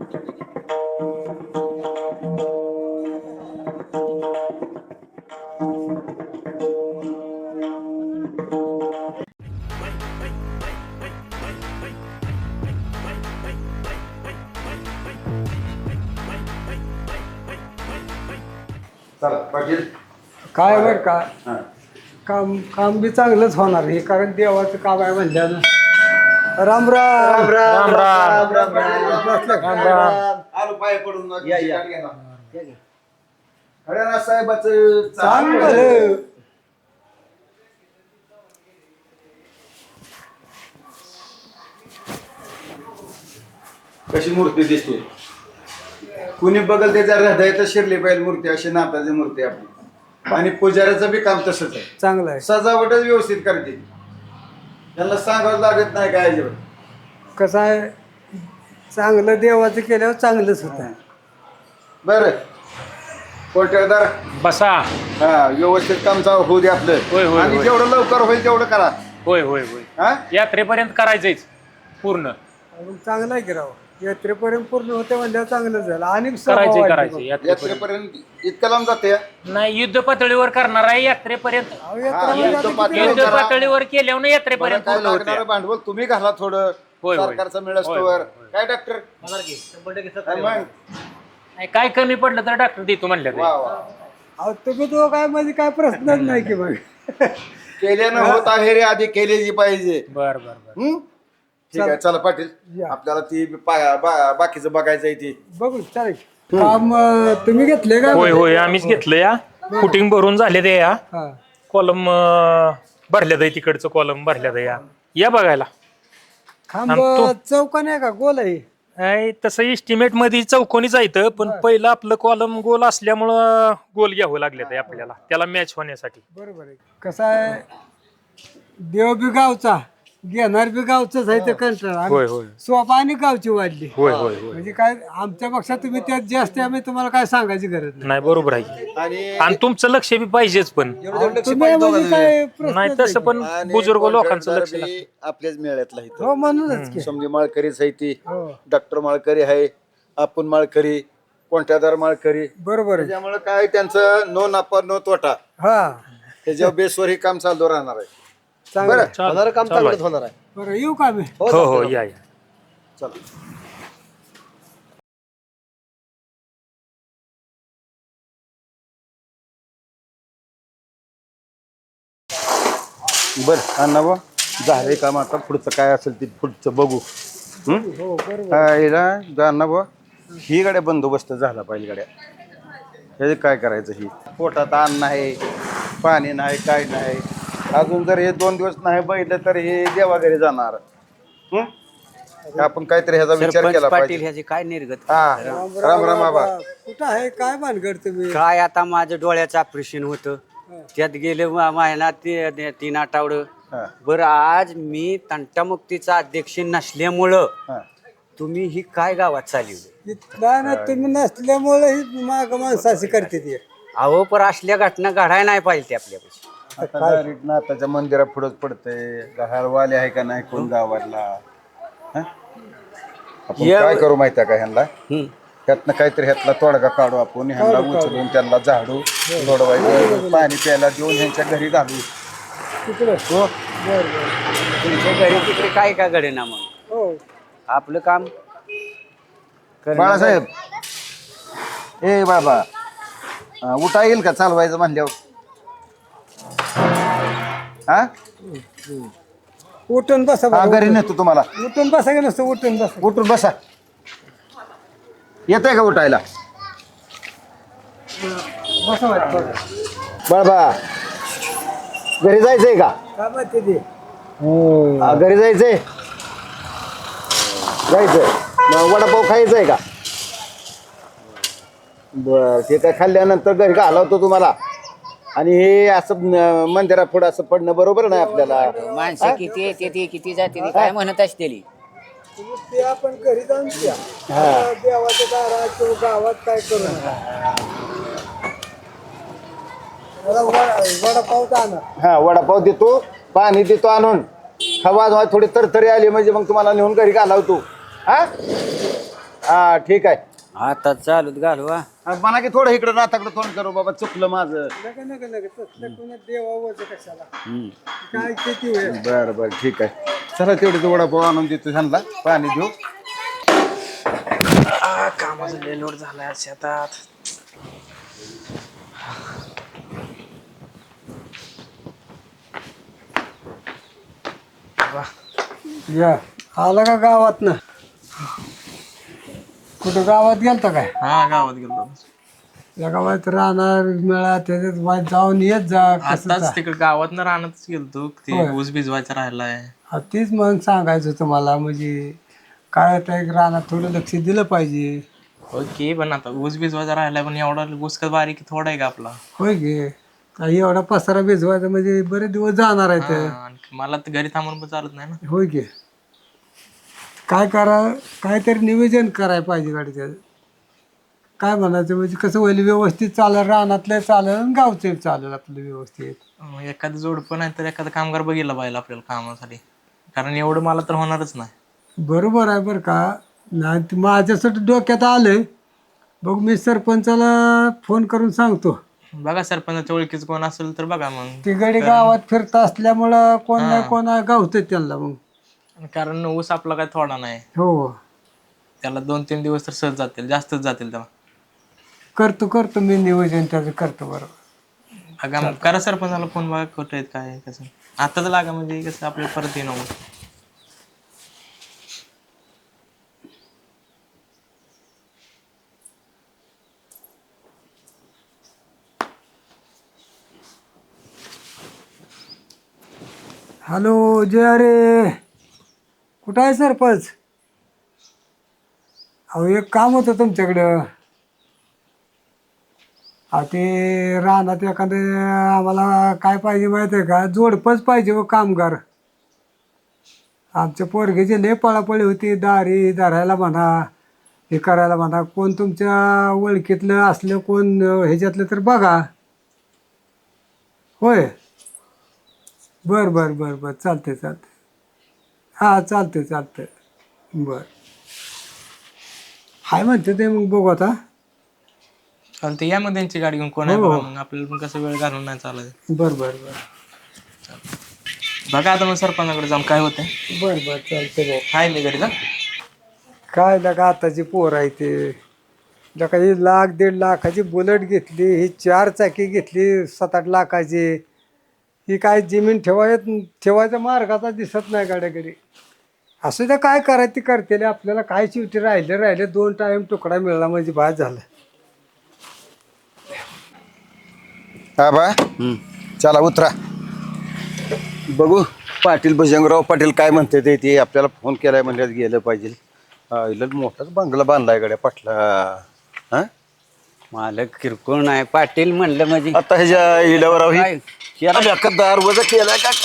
काय बर का काम काम बी चांगलंच होणार हे, कारण देवाचं काम आहे म्हणल्यानं. राम राम राम राम राम राम राम. आलो पाय पडून या. हरियाणा साहेबाच चांगलं. कशी मूर्ती दिसते, कुणी बघल त्याच्या हृदयात शिरली पाहिजे मूर्ती, अशी नाथाची मूर्ती आपली. आणि पुजाऱ्याचं बी काम तसंच आहे, चांगलं आहे. सजावटच व्यवस्थित करते, त्यांना सांगावं लागत नाही काय अजिबात. कसं आहे, चांगलं देवाचं केल्यावर चांगलंच होतं. बर कोटेदार बसा. हा, व्यवस्थित काम होऊ दे आपलं. होय, होय, आणि होय. जेवढं लवकर होईल तेवढं करा. होय होय होय. हा, यात्रेपर्यंत करायचंच पूर्ण. मग चांगलं आहे की राव, यात्रेपर्यंत पूर्ण होते म्हणल्यावर चांगलं झालं. आणि करायचं यात्रेपर्यंत. यात्रेपर्यंत इतकं लांब जाते. नाही, युद्ध पातळीवर करणार आहे यात्रेपर्यंत. युद्ध पातळीवर केल्यावर यात्रेपर्यंत पूर्ण होते. भांडवल तुम्ही घाला थोडं, होय, होय. सरकारचं मिळस्तोवर. होय, होय. काय डॉक्टर नाही, काय कमी पडलं तर डॉक्टर देतो म्हणलं. वा वा, अहो तुम्ही तो काय म्हणजे काय प्रश्नच नाही की मग. केल्यानं होत आहे रे, आधी केलेली पाहिजे. बर बर बर. हम्म? ठीक आहे, चला पाटील, या. आपल्याला ती बाकीचं बघायचं आहे ती. बघू चालेल. काम तुम्ही घेतले का? होय होय, आम्हीच घेतलं या. फुटिंग भरून झाले ते या. हा. कॉलम भरल्यात आहे, तिकडचं कॉलम भरल्यात आहे या बघायला. खांब चौकान आहे का गोल आहे? नाही, तसं इस्टिमेट मध्ये चौकोनी जायचं, पण पहिलं आपलं कॉलम गोल असल्यामुळं गोल घ्यावं लागले ते आपल्याला, त्याला मॅच होण्यासाठी. बरोबर आहे. कसं आहे, देव बी गावचा, घेणार बी गावचंच आहे ते कंटाळा. होय होय सोपा आणि गावची वाढली. होय होय होय. म्हणजे काय आमच्या पक्षात तुम्ही त्यात जास्त, आम्ही तुम्हाला काय सांगायची गरज नाही. नाही, बरोबर आहे. आणि आणि तुमचं लक्ष बी पाहिजेच, पण तुम्ही म्हणजे काय प्रश्नच नाही तसं पण आणि बुजुर्ग लोकांचं कोणत्या लक्ष बी लागतं. आपल्याच मेळ्यातला इथं. हो म्हणूनच की. समजी माळकरीच आहे ती, हो डॉक्टर माळकरी आहे, आपण माळकरी, कोणत्यादार माळकरी. बरोबर आहे. त्याच्यामुळे काय त्यांचं नो नफा नो तोटा, हा त्याच्या बेसवर हे काम चालू राहणार आहे. चांगलं. बरं, चालेल, काम चालू आहे. होणार आहे. बरं येऊ का आम्ही? हो हो, या या. चला. बर अण्णा बा, झाले काम, आता पुढचं काय असेल ते पुढचं बघू. हो बरोबर. अण्णा बा, ही गाड्या बंदोबस्त झाला पाहिजे. गाड्या हे काय करायचं, ही पोटात अन्न नाही, पाणी नाही, काय नाही. अजून जर हे 2 दिवस नाही बघितलं तर हे देवाघरी जाणार. हं? आपण काहीतरी ह्याचा विचार केला पाटील पाहिजे. ह्याची काय निर्गत हा, राम राम बाबा. कुठं आहे, काय भानगड तुम्ही? काय आता माझं डोळ्याचं ऑपरेशन होतं, त्यात गेले महिना 3 आठवडं. हा, बरं, आज मी तंटामुक्तीचा अध्यक्ष नसल्यामुळं हा. तुम्ही ही काय गावात चालवली? नाही ना, तुम्ही नसल्यामुळे ही माग माणसाची करते ती. अहो, पर असल्या घटना घडायला नाही पाहिजे ते आपल्यापाशी. आता डायरेक्ट नाथाच्या मंदिरा पुढंच पडतंय. गहारवाले आहे का नाही कोण गावाला? हं? आपण काय करू माहिती आहे का, ह्यांना ह्यातनं काहीतरी ह्यातला तोडगा काढू आपण, ह्यांना उचलून त्यांना झाडू सोडवायचं, पाणी प्यायला देऊन ह्यांच्या घरी घालू. तिकडं हो, तुमच्या घरी तिकडे काय का घडेना, मग हो. आपलं काम बाळासाहेब, ए बाबा, उठा येईल का चालवायचं म्हणल्यावर? हा, उठून बसा हा, बरं. घरी नेतो तुम्हाला. उठून बसा की नसतं, उठून बसा. उठून बसा. येत आहे का उठायला? बसा वाटतं. बाळबा, घरी जायचंय का? काय माहिती ते? घरी जायचंय. जायचंय मग वडापाव खायचंय का? बर, ते काय खाल्ल्यानंतर घरी का हलवतो तुम्हाला. आणि हे असं मंदिरा पुढं असं पडणं बरोबर नाही आपल्याला. माणसं किती येते ती किती जाते ती काय म्हणत असते. ते आपण घरी जाऊन द्या. देवाच्या दारात किंवा गावात काय करू नका. वडापाव आणा. हा, वडापाव देतो, पाणी देतो आणून. हवा थोडी तरतरी आली म्हणजे मग तुम्हाला नेऊन घरी घालावतो. हा, हा ठीक आहे. आता चालूत घालवा. म्हणा की थोडं इकडं नाताकडं तोंड करू बाबा, चुकलं माझं. देवावं कशाला काय किती वेळ बरं बरं ठीक आहे. चला तेवढे वडापाव आणून देतो ह्यांना, पाणी देऊ. कामाचा लय लोड झालाय आज शेतात. या आला का गावात ना? कुठं गावात गेलता काय? हा गावात गेलो या गावात राहणार मेळा त्याच्यात वाट जाऊन येत जा कसं आताच तिकडे गावात ना रानातच गेलतो ते होय. ऊस भिजवायचा राहिलाय. तीच मग सांगायचं तुम्हाला म्हणजे काय होतं एक रानात थोडं लक्ष दिलं पाहिजे. ओके पण आता ऊस भिजवायचा राहिलाय, पण एवढा ऊस का बारीक थोडा आहे का आपला? होय गे काही एवढा पसारा भिजवायचा म्हणजे बरेच दिवस जाणार आहे ते. हा, आणि मला तर घरी थांबून पण चालत नाही ना. होय गे काय करा काहीतरी नियोजन करायला पाहिजे गाडीचं. काय म्हणायचं म्हणजे कसं होईल व्यवस्थित चालेल, रानातलं चालेल आणि गावचं चालेल आपलं व्यवस्थित. एखादं जोड पण आहे तर एखादा कामगार बघितला पाहिजे आपल्याला कामासाठी, कारण एवढं मला तर होणारच नाही. बरोबर आहे बरं का. नाही ते माझ्यासाठी डोक्यात आलंय बघ, मी सरपंचाला फोन करून सांगतो. बघा सरपंचाच्या ओळखीचं कोण असेल तर बघा मग, ती गडी गावात फिरत असल्यामुळं कोण नाही कोण गावतं त्यांना मग. कारण ऊस आपला काय थोडा नाही, हो त्याला 2-3 दिवस तर सहज जातील, जास्तच जातील तेव्हा. करतो मी नियोजन त्याचं करतो. बरोबर बघा मग, करा सरपंचाला फोन, बघा कुठं आहेत काय आहे, कसं आताच लागा म्हणजे कसं आपल्याला परत येणं होईल. हॅलो जय अरे कुठं आहे सरपंच? अहो एक काम होतं तुमच्याकडं. ते रानात एखादं आम्हाला काय पाहिजे माहिती आहे का, जोडपंच पाहिजे व कामगार. आमच्या पोरगेची लय पळापळी होती, दारी धरायला म्हणा हे करायला म्हणा. कोण तुमच्या ओळखीतलं असलं कोण ह्याच्यातलं तर बघा. होय बरं चालते हां चालते बरं. हाय म्हणते ते मग बघू आता. चालते या मग त्यांची गाडी घेऊन, कोण आहे बघा मग, आपल्याला पण कसं वेळ घालून नाही चालत. बरं बघा आता मग सरपंचाकडे जाऊन काय होतंय. चालते भाऊ. हाय मी घरी जा. काय लगा आताची पोर आहे ते लका ही 1,00,000-1.5 लाखाची बुलेट घेतली, ही 4 चाकी घेतली 7-8 लाखाची. ही काय जमीन ठेवायचा मार्गाचा दिसत नाही गाड्याकडे. असं तर काय करायचं ती करते. आपल्याला काय शेवटी राहिले 2 टाइम तुकडा मिळाला म्हणजे बाद झालं. हा बा चला उतरा, बघू पाटील भजंगराव पाटील काय म्हणते ते आपल्याला फोन केलाय म्हणजे गेलं पाहिजे. इला मोठाच बंगला बांधलाय गड्या पाटला. हा मालक किरकोळ नाही, पाटील म्हणलं म्हणजे आता ह्याच्या इल्यावर काय? दार वजा केलाय का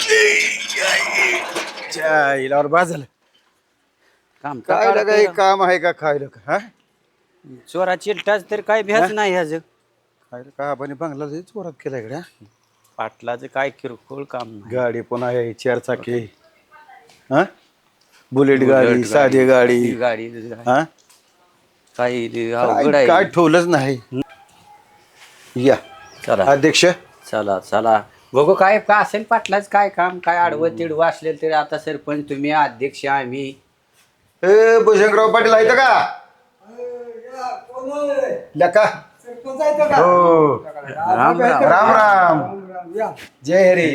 इल्यावर बाद झालं. काम काय लागा हे काम आहे का खायला का? हा चोरा चिलटाच तर काय भ्याच नाही ह्याच. खायला का आपण बंगला चोरात केलाय गड्या. पाटलाचं काय किरकोळ काम नाही. गाडी पण आहे 4 चाकी. हा बुलेट गाडी, साधी गाडी. गाडी हा काही अवघड काय आहे. ठेवलंच नाही. या चला अध्यक्ष चला बघू काय का असेल पाटलाच काय काम, काय आडवं तिडवं असलेलं तरी. आता सरपंच तुम्ही, अध्यक्ष आम्ही. ए भुजंगराव पाटील आहेत का? लका हो राम राम. राम जय हरी.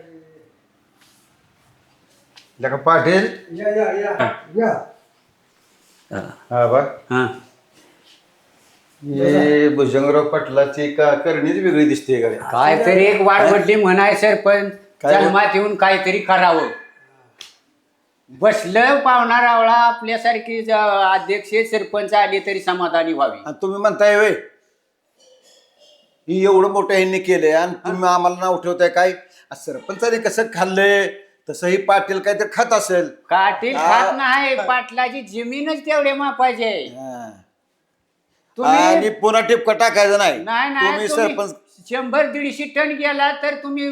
लका पाटील हा बा हा हे भुजंगराव पाटलाची का करणीच वेगळी दिसते गाडी. काहीतरी एक वाढवडली म्हणाय सरपंच, काय? जन्मात येऊन काहीतरी करावं. बसलं पाहुणा रावळा आपल्यासारखी अध्यक्ष सरपंच आली तरी समाधानी व्हावी. आणि तुम्ही म्हणताय वे ही एवढं मोठं ह्यांनी केलंय आणि तुम्ही आम्हाला नाव ठेवताय काय? सरपंचाने कसं खाल्लंय तसंही पाटील काहीतरी खात असेल. काटील खात नाही, पाटलाची जमीनच तेवढे मापायचे. आणि पुन्हा टिपका टाकायचं नाही. नाही तुम्ही सरपंच 100-150 टन गेला तर तुम्ही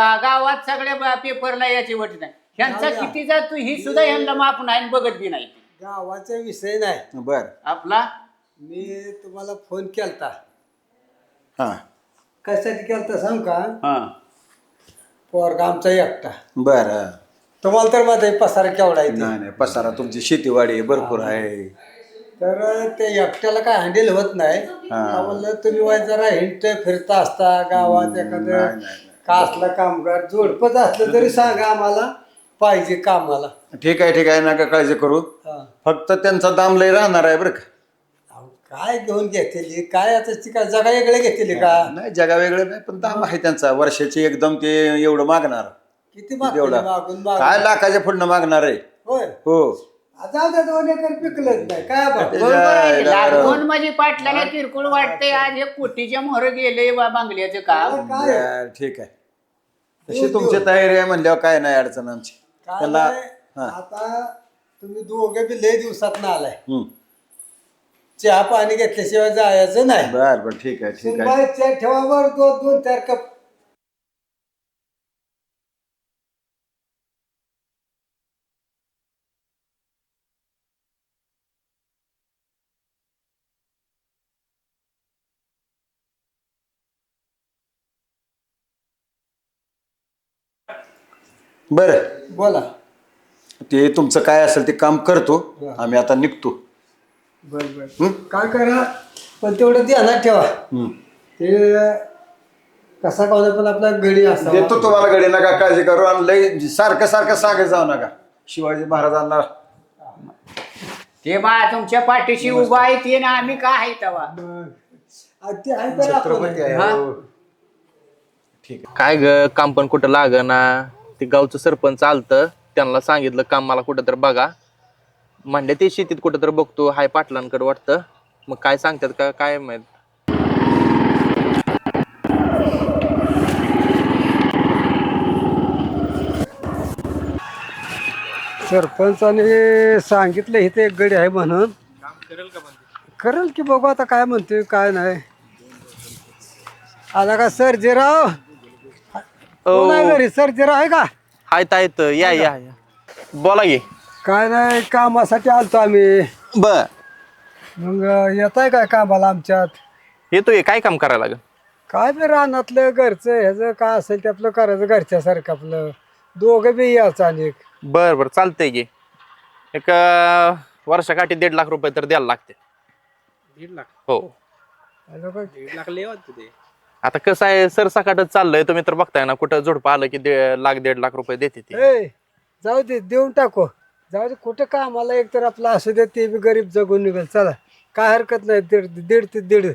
गावात सगळ्या पेपरला याची वट नाही. ह्यांचा किती जातो ही सुद्धा ह्यांना माप नाही, बघत बी नाही. गावाचा विषय नाही. बर आपला मी तुम्हाला फोन केलता. हा कशासाठी केलता सांग का? हा पोरगा आमचा एकटा. बर तुम्हाला तर माझा पसारा केवढा आहे ते. नाही नाही पसारा तुमची शेतीवाडी भरपूर आहे. तर ते एकट्याला काय हँडल होत नाही. म्हणलं तुम्ही वाय जरा हिंडत फिरता असता गावात एखादं का असला कामगार जोडपच असलं तरी सांगा आम्हाला पाहिजे कामाला. ठीक आहे नका काळजी करू. हा. फक्त त्यांचा दाम लय राहणार आहे बरं का. अहो, काय घेऊन घेतली काय आता ती काय जगा वेगळे घेतली का? नाही जगा वेगळं नाही पण दाम आहे त्यांचा वर्षाची एकदम ते एवढं मागणार. किती मागते एवढा मागून काय मागून. लाखाच्या पुढनं मागणार आहे. होय हो जाऊ द्या 2 एकर पिकलंच नाही काय बा. बरोबर आहे. लागवण म्हणजे पाटलाला किरकोळ वाटतंय. आज हे कोटीच्या मोहर गेले बांगल्याचं काम. काय बर, ठीक आहे तशी तुमची तयारी आहे म्हणल्यावर काय नाही अडचण आमची. काय त्याला नाही, आता तुम्ही दोघे बी लय दिवसात ना आलाय. चहा पाणी घेतल्याशिवाय जायचं नाही. बर ठीक आहे सुनबाई चहा ठेवा बर 2-4 कप. बर बोला. ते तुमचं काय असेल ते काम करतो. आम्ही आता निघतो. बर बर काय करा पण तेवढं ध्यानात ठेवा. ते कसा का पण आपला गडी असा. देतो तुम्हाला गडी नका काळजी करू. आणि लय सारखं सांगत जाऊ नका. शिवाजी महाराजांना ते बा तुमच्या पाठीशी उभा आहे ते ना आम्ही काय आहे तेव्हा. ते आहे तर आपण. छत्रपती आहे हो. काय ग काम पण कुठं लागना. ते गावचं सरपंच आलतं त्यांना सांगितलं काम मला कुठं तर बघा म्हणले. ते शेतीत कुठं तर बघतो हाय पाटलांकडे वाटतं. मग काय सांगतात का काय माहित. सरपंचाने सांगितलं इथे एक गडी आहे म्हणून. करेल की बघू आता काय म्हणतोय काय नाही. आला का सर्जेराव? कोण आहे घरी? सर्जेराव आहे का? हाय तायत या या या. बोला की. काय नाही कामासाठी आलतो आम्ही. बर मग येत आहे काय कामाला आमच्यात? येतोय काय काम करायला लागेल. काय बी रानातलं घरचं ह्याचं काय असेल ते आपलं करायचं घरच्यासारखं आपलं. दोघं बी यायचं आणि बर बर चालतंय की. एक वर्षाकाठी 1.5 लाख रुपये तर द्यायला लागते. 1.5 लाख? हो 1.5 लाख लय वाटतं ते. आता कसं आहे सरसकटच चाललंय. तुम्ही तर बघताय ना कुठं झोडपं आलं की 1.5 लाख रुपये देते ती. ए जाऊ दे देऊन टाकू. जाऊ दे कुठं कामाला एक तर आपलं असू दे ते बी गरीब जगून निघेल. चला काय हरकत नाही. 1.5 ते 1.5.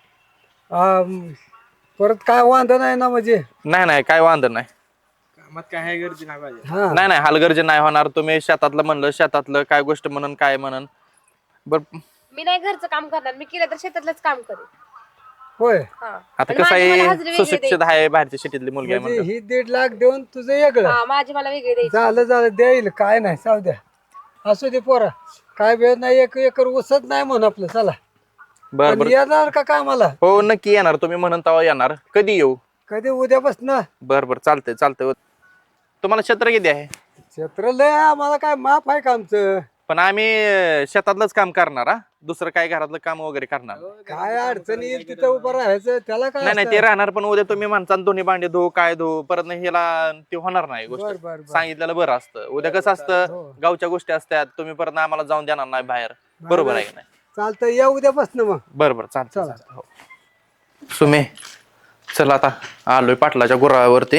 परत काय वांधा नाही ना म्हणजे. नाही काय वांधं नाही. कामात काय आहे गर्दी नाही पाहिजे. हा नाही हलगर्जी नाही होणार. तुम्ही शेतातलं म्हणलं शेतातलं काय गोष्ट म्हणून काय म्हणून. बर मी नाही घरचं काम करणार. मी केलं तर शेतातलंच काम करेन. होय. हा. आता आणि कसं माझी मला आहे हजेरी वेगळी सुशिक्षित आहे बाहेरच्या शेतीतली मुलगी आहे म्हणजे म्हणलं. ही 1.5 लाख देऊन तुझं वेगळं हा, माझी मला वेगळी द्यायची. झालं देईल काय नाही. जाऊ द्या असू दे पोरा. काय वेळ नाही 1 एकर उसत नाही म्हणून आपलं. चला बर बर आणि येणार का कामाला? हो नक्की येणार. तुम्ही म्हणून तेव्हा येणार. कधी येऊ? कधी उद्यापासून. बर चालतंय. तुम्हाला क्षेत्र किती आहे? क्षेत्र लय आहे, आम्हाला काय माफ आहे का आमचं? पण आम्ही शेतातलंच काम करणार. हा दुसरं काय घरातलं काम वगैरे करणार काय अडचण येईल तिथं उभं राहायचं त्याला काय नाही ते राहणार. पण उद्या तुम्ही म्हणता दोन्ही भांडे धो काय धो परत नाही ह्याला ते होणार नाही बर, गोष्ट. बर. सांगितलेलं बरं असतं. उद्या कसं असतं गावच्या गोष्टी असतात. तुम्ही परत आम्हाला जाऊन देणार नाही बाहेर. बरोबर आहे की नाही? चालतं या उद्यापासून मग. बरोबर चालतं. हो. सुमे चल आता आलोय पाटलाच्या गुरावरती.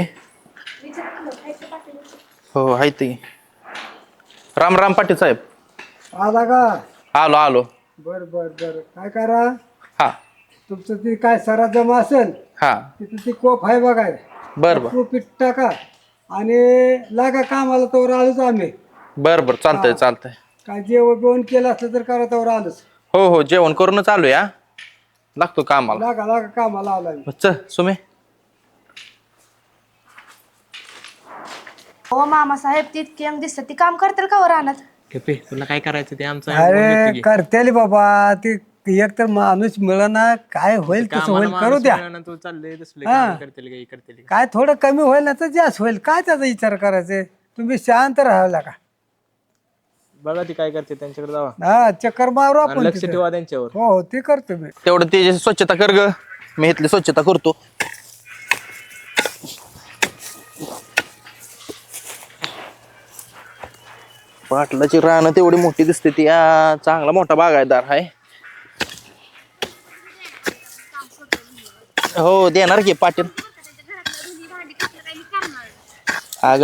हो हाय ते. राम पाटील साहेब. आला का? आलो बर काय करा हा तुमचं ती काय सरा जमा असेल हा तिथं ती कोप आहे बघाय. बर पीठ टाका आणि लागा कामाला तोवर आलोच आम्ही. बर चालतंय. काय जेवण केलं असलं तर करा तोवर आलोच. हो जेवण करूनच आलो या. लागतो कामाला. लागा कामाला आला. चल सुमे. हो मामासाहेब ती इतकी अंग दिसत ती काम करतील का वर राहणार? कपे तुला काय करायचं ते आमचं अरे करतेली बाबा ती एक तर माणूस मिळना. काय होईल तसं होईल करू द्या. तू चाललंय तसले हा. करतील काही करतील. काय थोडं कमी होईल ना तर जास्त होईल. काय त्याचा विचार करायचे? तुम्ही शांत राहायला का? बघा ती काय करते त्यांच्याकडे जावा हा चक्कर मारू आणि आपण लक्ष तिथे. ठेवा त्यांच्यावर. हो हो ते करतो मी. तेवढं ते स्वच्छता कर ग, मी इथली स्वच्छता करतो. पाटलाची रानं तेवढी मोठी दिसते ती, चांगला मोठा बागायतदार आहे. हो देणार की पाटील. अग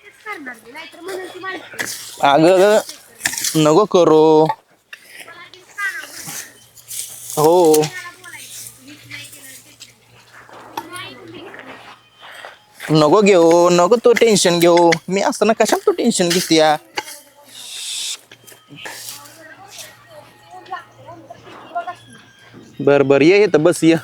अग नको करू. हो नको घेऊ, नको तू टेन्शन घेऊ. मी असताना कशाला तू टेन्शन घेते या. बर बर ये तर बस ये.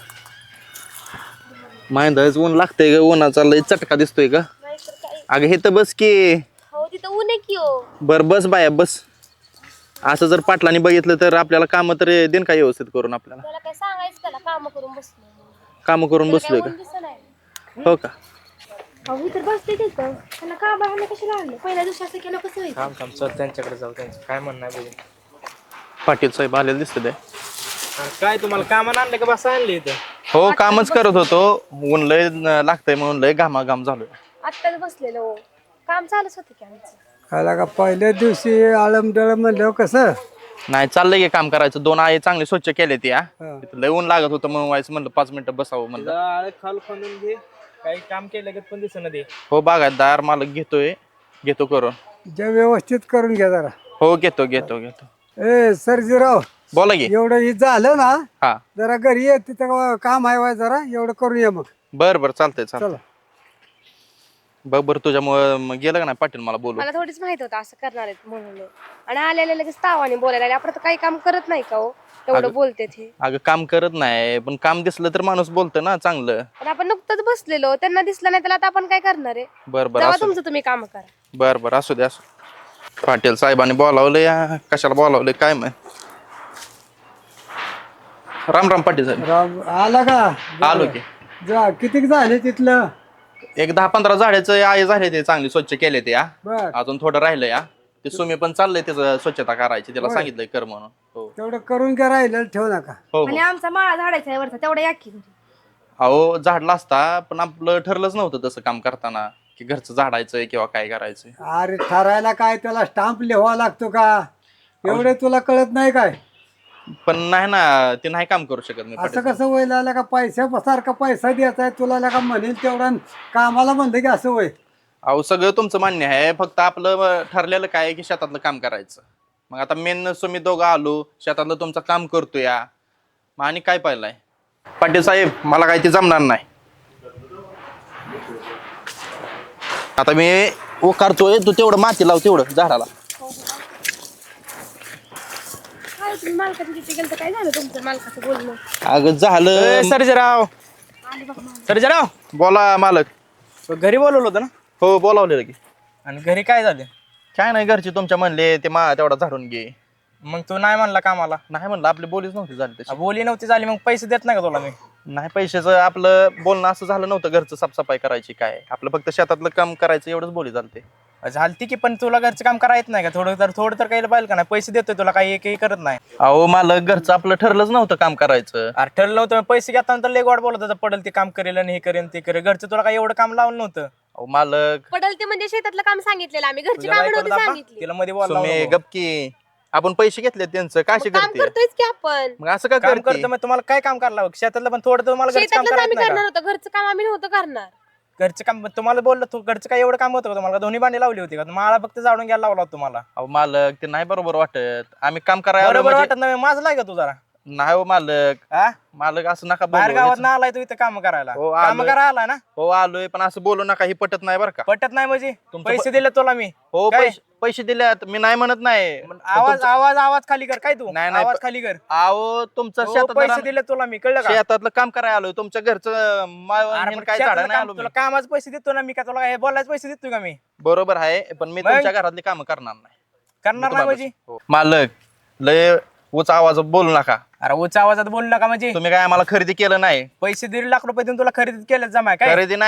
माहिती ऊन लागतंय ग, उन्हाचा लय चटका दिसतोय का. अगं हे तर बस की. हो तिथं ऊन आहे की हो. बर बस बाया बस. असं जर पाटलांनी बघितलं तर आपल्याला काम तर देईन का व्यवस्थित करून. आपल्याला त्याला काय सांगायचं, त्याला काम करून बसलो. काम करून बसलोय का. हो का. अहो तर बसते तिथं, त्याला काम राहणं कशाला आणलं. पहिल्या दिवशी असं केलं कसं होईल. थांब थांब चल त्यांच्याकडे जाऊ. त्यांचं काय म्हणणं आहे बघू. पाटील साहेब आलेले दिसत आहे. काय तुम्हाला कामाला आणलं का बस आणले इथं. हो कामच करत होतो. ऊन लय लागतंय म्हणून लय घामाघाम झालोय. आत्ताच बसलेलो हो. काम चालूच होतं की आमचं. खायला का पहिल्या दिवशी आळमडळ म्हणल्यावर कसं. नाही चाललंय की काम करायचं. 2 आहे चांगले स्वच्छ केले ते. तिथं लय ऊन लागत होतं म्हणून व्हायचं म्हणलं 5 मिनिटं बसावं म्हणलं. आळ खाल खणून घे. काही काम केलं का पण दिसणं दे. हो बागायतदार मालक घेतो करून. जे व्यवस्थित करून घ्या जरा. हो घेतो. ए सरजीराव बोला की. एवढं हे झालं ना, हा जरा घरी ये, तिथं काम आहे जरा एवढं करून ये मग. बर चालतंय. चला. बरं तुझ्यामुळे मग गेलं का नाही पाटील मला बोलू. मला थोडीच माहित होतं असं करणार आहेत म्हणून. आणि आलेले लगेच तावाने बोलायला लागले. आपण तर काही काम करत नाही का हो, एवढं बोलते ते. अगं काम करत नाही पण काम दिसलं तर माणूस बोलतं ना चांगलं. पण आपण नुकतंच बसलेलो, त्यांना दिसलं नाही, त्याला आता आपण काय करणार आहे. बर तेव्हा तुमचं तुम्ही काम करा. बर असू दे. पाटील साहेबांनी बोलावलं या कशाला बोलावलंय काय माहित. राम पाटील साहेब. राम आला का. आलो की. जा किती झाले तिथलं. एक 10-15 झाडाचं आहे झाले ते चांगले स्वच्छ केले ते. बर अजून थोडं राहिलं या. ते सुमी पण चाललंय त्याचं स्वच्छता करायची. त्याला सांगितलंय कर म्हणून. हो तेवढं करून घ्या, राहिलं ठेवू नका. हो आणि आमचा माळा झाडायचा आहे वरचा, तेवढा या की घरी. अहो झाडला असता पण आपलं ठरलंच नव्हतं तसं काम करताना की घरचं झाडायचंय किंवा काय करायचंय. अरे ठरायला काय त्याला स्टाम्प लिहावा लागतो का. एवढे तुला कळत नाही काय. पण नाही ना ते नाही काम करू शकत मी असं पाटील. कसं वय लागला का. सारखा पैसा द्यायचा आहे तुला का म्हणेल तेवढा कामाला म्हणलं की असं वय. अहो सगळं तुमचं मान्य आहे. फक्त आपलं ठरलेलं काय आहे की शेतातलं काम करायचं. मग आता मेन तुम्ही दोघं आलो शेतातलं तुमचं काम करतो या. मग आणि काय पाहिलंय पाटील साहेब मला काय ते जमणार नाही. आता मी करतोय तू तेवढं माती लाव तेवढं झाडाला. काय तुम्ही मालकाच्या तिथे गेलं तर काय झालं तुमचं मालकाचं बोलणं. अगं झालं. सर्जराव सर्जराव बोला मालक. घरी बोलवलं होतं ना. हो बोलावलेलं की. आणि घरी काय झालं. काय नाही घरचे तुमच्या म्हणले ते तेवढा झाडून घे. मग तू नाही म्हणला कामाला. नाही म्हणलं आपली बोलीच नव्हती झाली तशी. बोली नव्हती झाली मग पैसे देत नाही का तुला मी. नाही पैशाचं आपलं बोलणं असं झालं नव्हतं. घरचं साफसफाई करायची काय आपलं फक्त शेतातलं काम करायचं एवढंच बोली झालते. झालती की पण तुला घरचं काम करायचं नाही का. थोडं तर काही पाहिजे का नाही. पैसे देतोय तुला काही एकही करत नाही. अहो मालक घरचं आपलं ठरलंच नव्हतं काम करायचं. अरे ठरलं होतं पैसे घेताना तर लय गोड बोलत होता. पडेल ते काम करेल आणि हे करेल ते करेल. घरचं तुला काही एवढं काम लावलं नव्हतं. अहो मालक पडल ते म्हणजे शेतातलं काम सांगितलेलं आम्ही, घरची तुझ्या कामं बायकोला नव्हती दाबा. सांगितली. तिला मध्ये बोलावं तुम्ही नको. गपकी आपण पैसे घेतले त्यांचं काशी काम करते. करतोयच की आपण. मग असं का काम करते. करतो मग तुम्हाला काय काम करायला लावं? शेतातलं पण थोडं तुम्हाला घरचं काम शेतातलंच करायचं आम्ही नाही करणार का? होतं, घरचं काम आम्ही नव्हतं करणार. घरचं काम तुम्हाला बोललं तू घरचं काय एवढं काम होतं का तुम्हाला. दोन्ही भांडी लावली होती का. मला फक्त जाळून घ्यायला लावला होता तुम्हाला. अहो मालक ते नाही बरोबर वाटत. आम्ही काम करायला बरोबर म्हणजे- वाटत नाही माझं लाग तू जरा. नाही हो मालक. हा मालक असं नका बाहेर बोलू. गावात ना आलाय तू इथं काम करायला. हो, काम आलोय. करायला आलाय ना. हो आलोय पण असं बोलू नका. ही पटत नाही बरं का. पटत नाही म्हणजे तुमचं पैसे दिले तुला मी. हो काय? पैसे दिल्यात मी नाही म्हणत नाही. आवाज आवाज आवाज खाली कर काय तू. नाही, नाही, आवाज खाली कर. अहो तुमचं हो, पैसे शेतात दिले तुला मी कळलं का. शेतातलं काम करायला आलोय. तुमच्या घरचं अरे पण काय शेतातलं झाडं नाही काम आलो मी. तुला कामाचे पैसे देतो ना मी का. तुला हे बोलायचे पैसे देतो का मी. बरोबर आहे पण मी मग? तुमच्या घरातली कामं करणार नाही. करणार नाही म्हणजे. हो. मालक लय उच आवाज बोलू नका. अरे उच्च आवाजात बोलू नका म्हणजे. तुम्ही काय आम्हाला खरेदी केलं नाही. पैसे 1.5 लाख रुपये देऊन तुला खरेदी केलं जमा काय. खरेदी नाही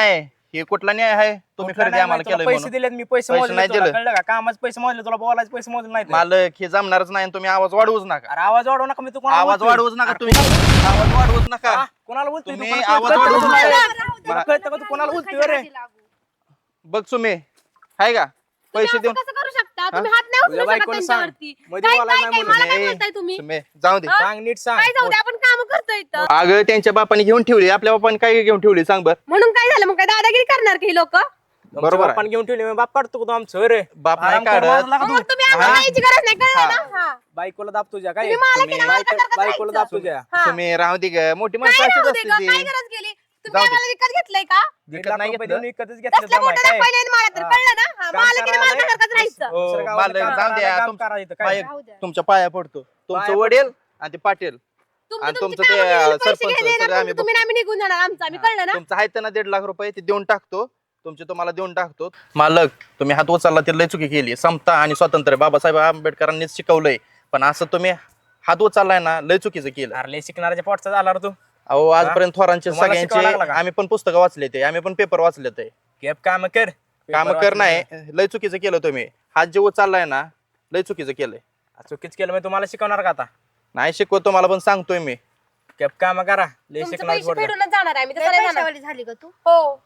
हे कुठला न्याय आहे तुम्ही कुठला खरेदी नाही आम्हाला माहिती, तुला केलं पैसे म्हणून दिलेत मी, पैसे पैसे मोजले नाही तुला, दिलं. कळलं का? कामाचे पैसे मोजले, तुला बोलायचे पैसे मोजले नाही मालक हे जमणारच नाही तुम्ही आवाज वाढवूच नका. अरे आवाज वाढवू नका, मी तू कोणाला आवाज बोलतोय? वाढवूच नका अरे तुम्ही, आवाज वाढवूच नका. हा? कोणाला बोलतोय तू? तुम्ही कोणाला आवाज कळतं का वाढवू तुला? नका. तुला कळतं का तू कोणाला बोलतोय रे? बघ सुमे आहे का पैसे देऊन कसं करू शकता तुम्ही? हात नाही तुझ्या उचलू शकत बायकोला सांग. त्यांच्यावरती. मध्ये काय बोलायला काय नाही काय मला काय ए, बोलताय तुम्ही? सुमे जाऊ दे. सांग नीट सांग. काय जाऊ दे, आपण काम करतोय इथं. अगं त्यांच्या बापाने घेऊन ठेवली, आपल्या बापाने काय घेऊन ठेवली सांग बर. म्हणून काय झालं मग? काय दादागिरी करणार की लोक? बरोबर आहे. आपण घेऊन ठेवले, मग बाप काढतो का तू आमचं रे? बाप नाही आराम कर, काढत. मारू नका तू. तुम्ही आम्हाला यायची गरज नाही, कळलं ना? हा. बायकोला दाब तुझ्या काय? तुम्ही मला की नाही, मला करता बायकोला दाब तुझ्या. हा. सुमे राहू दे ग, मोठी काय माणसं राहू अशीच दे असते गं? ती. काय गरज गेली? तुम्ही जाऊ दे. आम्हाला विकत घेतलंय का? 1 विकत लाख नाही रुपये घेतलं. देऊन विकतच घेतलं तसल्या जमाय मोठ्याला काय? पहिले आणि मला तर हा. कळलं ना? हा, काम मला की नाही, करायला मला सारखंच राहायचं. हो, दुसऱ्या गावाला मालक काम जाऊ द्या. करायला, काम करायचं काय? पाय- राहू द्या. तुमच्या पाया पडतो, तुमचं पाया वडील आणि ते पाटील तुमचं आणि तुमची तुमचं ते कामं केलेली पैसे सरपंच घ्यायला येणार, सगळं आम्ही तुमचं तुम्ही आम्ही निघून जाणार आमचं आम्ही, कळलं ना? तुमचं आहे ना 1.5 लाख रुपये ते देऊन टाकतो, तुमचे तुम्हाला देऊन टाकतो. मालक तुम्ही हात उचलला ते लय चुकी केली. समता आणि स्वातंत्र्य बाबासाहेब आंबेडकरांनीच शिकवलंय, पण असं तुम्ही हात उचललाय ना लय चुकीचं केलं. अरे शिकणाऱ्याच्या पोटचा झाला रे तू. अहो आजपर्यंत थोरांचे तुम्हाला सगळ्यांचे शिकवावं लागलं का? आम्ही पण पुस्तकं वाचले ते, आम्ही पण पेपर वाचले ते. केप काम कर. काम कर नाही, लय चुकीचं केलं तुम्ही. हात जे उचललाय ना लय चुकीचं केलंय. चुकीच केलं मी तुम्हाला शिकवणार का आता? नाही शिकवत तुम्हाला, पण सांगतोय मी. केप काम करा, लय तुमचे शिकणार पैसे पोरगं. फेडूनच जाणार आहे, मी तसं नाही जाणार. झाली का तू? हो.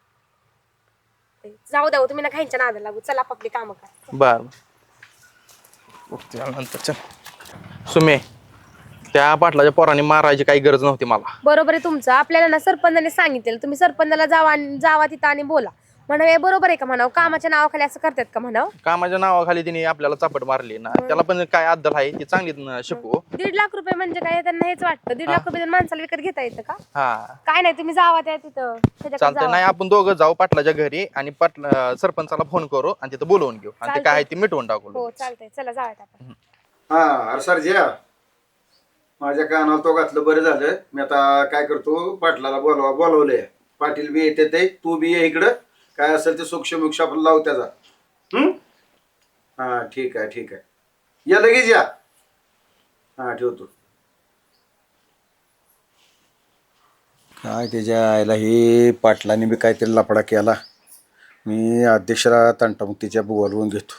जाऊ द्या हो, तुम्ही ना खायच्या नादाला लागू. चला आपली कामं करा. बर नंतर चल. सुमे त्या पाटलाच्या पोराने मारायची काही गरज नव्हती मला. बरोबर आहे तुमचं. आपल्याला ना सरपंचाने सांगितलेलं, तुम्ही सरपंचाला जावा तिथं आणि बोला म्हणावं. हे बरोबर आहे का म्हणावं? कामाच्या नावाखाली असं करतात का म्हणावं? कामाच्या नावाखाली तिने आपल्याला चापट मारली ना, त्याला पण काय अद्दल आहे ती चांगली शिकवू. 1.5 लाख रुपये म्हणजे काय? त्यांना हेच वाटतं 1.5 लाख रुपये देऊन माणसाला विकत घेता येतं का? हा काय नाही, तुम्ही जावा त्या तिथं त्याच्याकडे चालतंय. जावा. नाही आपण दोघं जाऊ पाटलाच्या घरी आणि सरपंचाला फोन करू आणि तिथं बोलवून घेऊ आणि ते काय आहे ते मिटवून टाकू. हो चालतंय, चला जाऊयात आपण. हा अरे सरज्या, माझ्या कानाला तो घातलं बरं झालं. मी आता काय करतो, पाटलाला बोलवलंय. पाटील बी येते ते, तू बी ये इकडं. काय असेल ते सूक्ष्म आपण लावू त्याचा. हा ठीक आहे ठीक आहे, या लगेच या. हा ठेवतो. काय त्याच्या आईला हे पाटलाने बी काहीतरी लफडा केला. मी अध्यक्षला तंटामुक्तीच्या बोलवून घेतो.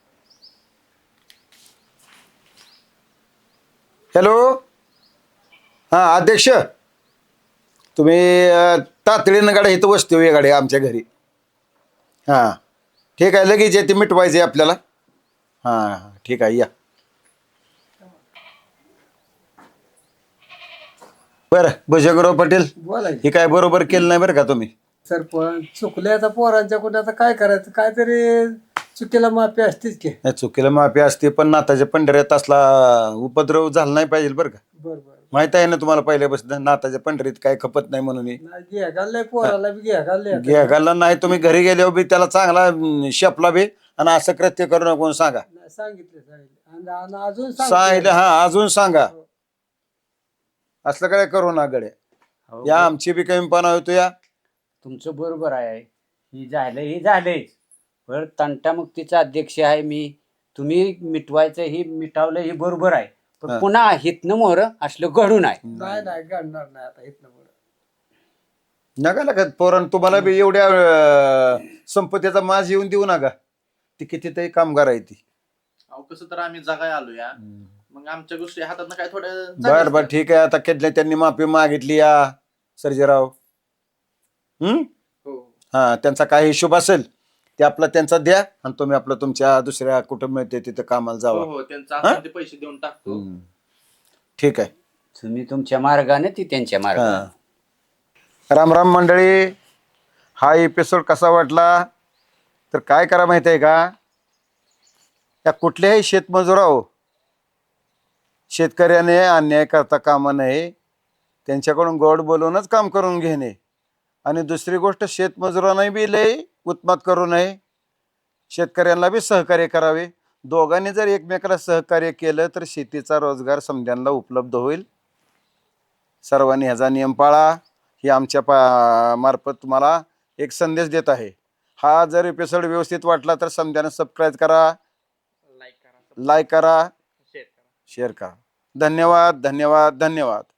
हॅलो, हां अध्यक्ष, तुम्ही तातडीनं गाड्या इथं वस्ती हो, या गाडी आमच्या घरी. हां ठीक आहे, लगेच येते, मिटवायचं आहे आपल्याला. हां ठीक आहे, या. बरं भुजंगराव पाटील, बोला की. हे काय बरोबर केलं नाही बरं का तुम्ही. सरपंच चुकले आता पोरांच्या कुठे, आता काय करायचं? काहीतरी चुकीला माफी असतेच की. नाही चुकीला माफी असते, पण नाताच्या पंढरीत असला उपद्रव झाला नाही पाहिजे बरं का. बरोबर. माहित आहे ना तुम्हाला पहिल्यापासून नाताच्या पंढरीत काय खपत नाही म्हणून. घ्या घाललंय पोराला बी, घ्या घाललंय. घ्या घालला नाही, तुम्ही घरी गेल्यावर बी त्याला चांगला शेपला बी, आणि असं कृत्य करू नका म्हणून सांगा. सांगितलं आणि अजून सांगितलं, हा अजून सांगा. असलं काय करू ना गड्या, हो, या आमची बी कमीपणा होतो या. तुमचं बरोबर आहे. ही झालंच. पण तंटामुक्तीचा अध्यक्ष आहे मी. तुम्ही मिटवायचं ही मिटावलं ही बरोबर आहे, पण पुन्हा हितनं मोर असलं घडून आहे. नाही नाही घडणार नाही आता इथनं पुढं. नका नका पोरण, तुम्हाला बी एवढ्या संपत्तीचा माज येऊन देऊ नका. ती कितीतरी कामगार आहे ती. अहो कसं तर आम्ही जगाय आलो या, मग आमच्या गोष्टी हातात काय थोड्या. बर बर ठीक आहे, आता केटल्या त्यांनी माफी मागितली या सर्जेराव. हा त्यांचा काय हिशोब असेल ते आपला त्यांचा द्या, आणि तुम्ही आपलं तुमच्या दुसऱ्या कुठं मिळते तिथं कामाला जावा. हो त्यांचा पैसे देऊन टाकतो. ठीक आहे. तुम्ही तुमच्या मार्गाने ती त्यांच्या मार्गाने. हा राम राम मंडळी, हा एपिसोड कसा वाटला तर काय करा माहिती आहे का, या कुठल्याही शेतमजुराव शेतकऱ्याने अन्याय करता कामा नये. त्यांच्याकडून गोड बोलूनच काम करून घेणे. आणि दुसरी गोष्ट, शेतमजुरांनाही बी लय उत्मात करू नये. शेतकऱ्यांना बी सहकार्य करावे. दोघांनी जर एकमेकाला सहकार्य केलं तर शेतीचा रोजगार समध्यांना उपलब्ध होईल. सर्वांनी ह्याचा नियम पाळा, ही आमच्या मार्फत तुम्हाला एक संदेश देत आहे. हा जर एपिसोड व्यवस्थित वाटला तर समध्यानं सबस्क्राईब करा, लाईक करा, शेअर करा. धन्यवाद धन्यवाद धन्यवाद.